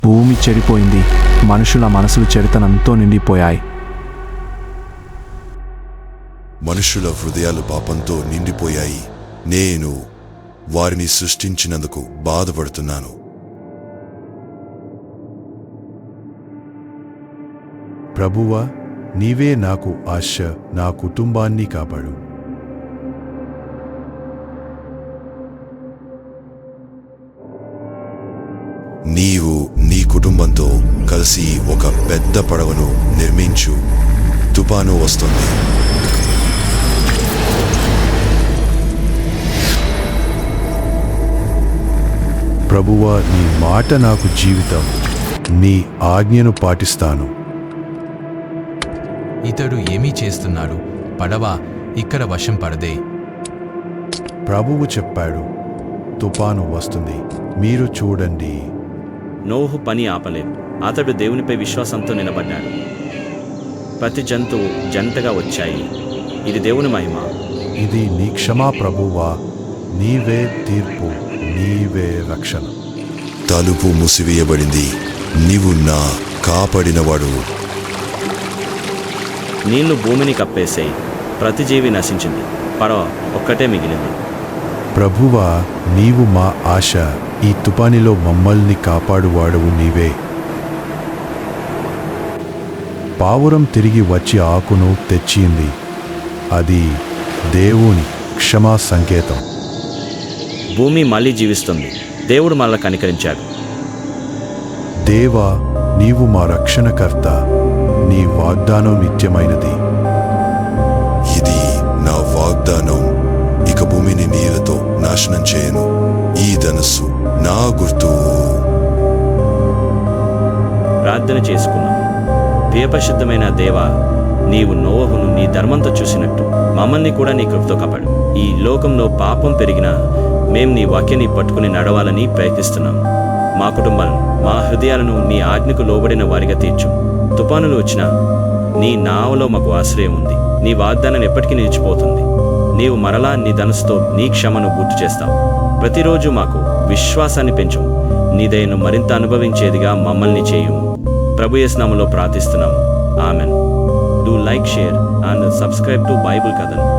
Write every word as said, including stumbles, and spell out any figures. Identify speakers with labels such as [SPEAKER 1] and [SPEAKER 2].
[SPEAKER 1] భూమి చెడిపోయింది, మనుషుల మనసులు చెడుతనంతో నిండిపోయాయి.
[SPEAKER 2] మనుషుల హృదయాలు పాపంతో నిండిపోయాయి. నేను వారిని సృష్టించినందుకు బాధపడుతున్నాను.
[SPEAKER 3] ప్రభువా, నీవే నాకు ఆశ, నా కుటుంబాన్ని కాపాడు.
[SPEAKER 2] నీవు నీ కుటుంబంతో కలిసి ఒక పెద్ద పడవను నిర్మించు. తుఫాను వస్తుంది.
[SPEAKER 3] ప్రభువా, నీ మాట నాకు జీవితం, నీ ఆజ్ఞను పాటిస్తాను.
[SPEAKER 4] ఇతడు ఏమీ చేస్తున్నాడు? పడవ ఇక్కడ వశం పడదే.
[SPEAKER 3] ప్రభువు చెప్పాడు, తుఫాను వస్తుంది, మీరు చూడండి.
[SPEAKER 5] నోహు పని ఆపలేదు. అతడు దేవునిపై విశ్వాసంతో నిలబడ్డాడు. ప్రతి జంతువు జంటగా వచ్చాయి. ఇది దేవుని మహిమ.
[SPEAKER 3] ఇది నీ క్షమా ప్రభువా, నీవే తీర్పు, నీవే రక్షణ.
[SPEAKER 2] తలుపు మూసివేయబడింది. నీవు నా కాపాడినవాడు.
[SPEAKER 5] నీళ్లు భూమిని కప్పేసాయి. ప్రతి జీవి నశించింది. పడవ ఒక్కటే మిగిలింది.
[SPEAKER 3] ప్రభువా, నీవు మా ఆశ, ఈ తుపానిలో మమ్మల్ని కాపాడువాడవు నీవే. పావురం తిరిగి వచ్చి ఆకును తెచ్చింది. అది దేవుని క్షమా సంకేతం.
[SPEAKER 5] భూమి మళ్ళీ జీవిస్తుంది. దేవుడు మళ్ళా కనికరించాడు.
[SPEAKER 3] దేవా, నీవు మా రక్షణకర్త, నీ వాగ్దానం నిత్యమైనది.
[SPEAKER 2] ఇది నా వాగ్దానం. ఇక భూమిని నీళ్లతో నాశనం చేయను. ఈ ధనస్సు నా గుర్తు.
[SPEAKER 5] ప్రార్థన చేసుకున్నాం. ప్రియపరిశుద్ధమైన దేవా, నీవు నోవహును నీ ధర్మంతో చూసినట్టు మమ్మల్ని కూడా నీ కృపతో కాపాడు. ఈ లోకంలో పాపం పెరిగినా మేం నీ వాక్యాన్ని పట్టుకుని నడవాలని ప్రయత్నిస్తున్నాం. మా కుటుంబాలను, మా హృదయాలను నీ ఆజ్ఞకు లోబడిన వారిగా తీర్చు. తుఫానులు వచ్చినా నీ నావలో మాకు ఆశ్రయం ఉంది. నీ వాగ్దానం ఎప్పటికీ నిలిచిపోతుంది. నీవు మరలా నీ ధనుసుతో నీ క్షమను గుర్తు చేస్తావు. ప్రతిరోజు మాకు విశ్వాసాన్ని పెంచు. నీ దయను మరింత అనుభవించేదిగా మమ్మల్ని చేయుము. ప్రభు యేసు నామములో ప్రార్థిస్తున్నాము. ఆమెన్. Do like, share and subscribe to Bible కథను.